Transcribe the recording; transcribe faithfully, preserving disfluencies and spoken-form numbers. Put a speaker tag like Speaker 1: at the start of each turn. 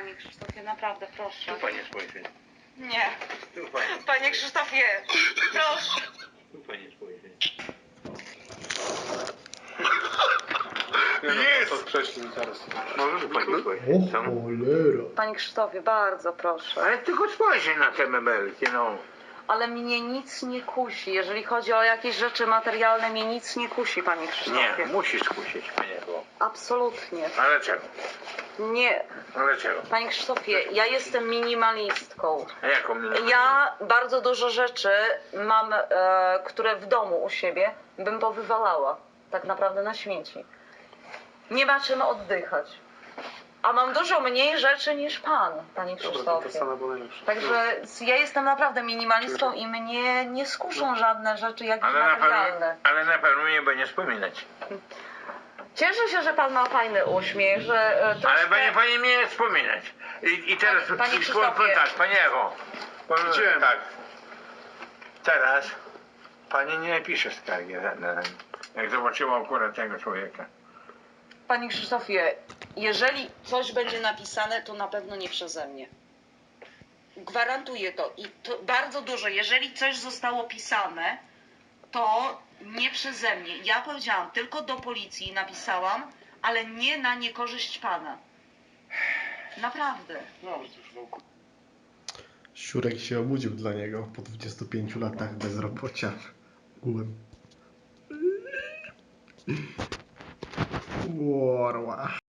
Speaker 1: Panie Krzysztofie, naprawdę, proszę.
Speaker 2: Tu Panie spojrzy.
Speaker 1: Nie.
Speaker 2: Tu Panie.
Speaker 1: Panie Krzysztofie, proszę.
Speaker 2: Tu Panie spojrzy.
Speaker 3: Jest! To prześlij zaraz.
Speaker 2: Może tu Panie spojrzy.
Speaker 4: O
Speaker 2: Co?
Speaker 4: cholera.
Speaker 1: Panie Krzysztofie, bardzo proszę.
Speaker 2: Ale tylko spojrzy na te mebelki, no.
Speaker 1: Ale mnie nic nie kusi. Jeżeli chodzi o jakieś rzeczy materialne, mnie nic nie kusi, Panie Krzysztofie.
Speaker 2: Nie, musisz skusić, Panie, bo...
Speaker 1: Absolutnie.
Speaker 2: Ale czego?
Speaker 1: Nie.
Speaker 2: Ale czego?
Speaker 1: Panie Krzysztofie, ja jestem minimalistką.
Speaker 2: A jaką mnie...
Speaker 1: Ja bardzo dużo rzeczy mam, e, które w domu u siebie bym powywalała. Tak naprawdę na śmieci. Nie ma czym oddychać. A mam dużo mniej rzeczy niż pan, Panie
Speaker 3: Dobra, to
Speaker 1: Krzysztofie.
Speaker 3: Sana była najlepsza.
Speaker 1: Także ja jestem naprawdę minimalistą i mnie nie skuszą żadne rzeczy jakieś
Speaker 2: Ale na, pewno,
Speaker 1: materialne.
Speaker 2: ale na pewno nie będzie wspominać.
Speaker 1: Cieszę się, że pan ma fajny uśmiech, że e, troszkę...
Speaker 2: Ale Panie, Panie mnie nie wspominać. I, i teraz...
Speaker 1: Panie- Panie
Speaker 2: i
Speaker 1: Krzysztofie.
Speaker 2: powiem tak, Panie Echo. Powiem
Speaker 3: Gdzie?
Speaker 2: tak. Teraz Pani nie pisze skargi żadne, jak zobaczyła akurat tego człowieka.
Speaker 1: Panie Krzysztofie, jeżeli coś będzie napisane, to na pewno nie przeze mnie. Gwarantuję to. I to bardzo dużo. Jeżeli coś zostało pisane, to nie przeze mnie. Ja powiedziałam, tylko do policji napisałam, ale nie na niekorzyść pana. Naprawdę.
Speaker 3: No, to już wokół.
Speaker 4: Siurek się obudził dla niego po dwudziestu pięciu latach bezrobocia. Ułem. Warła.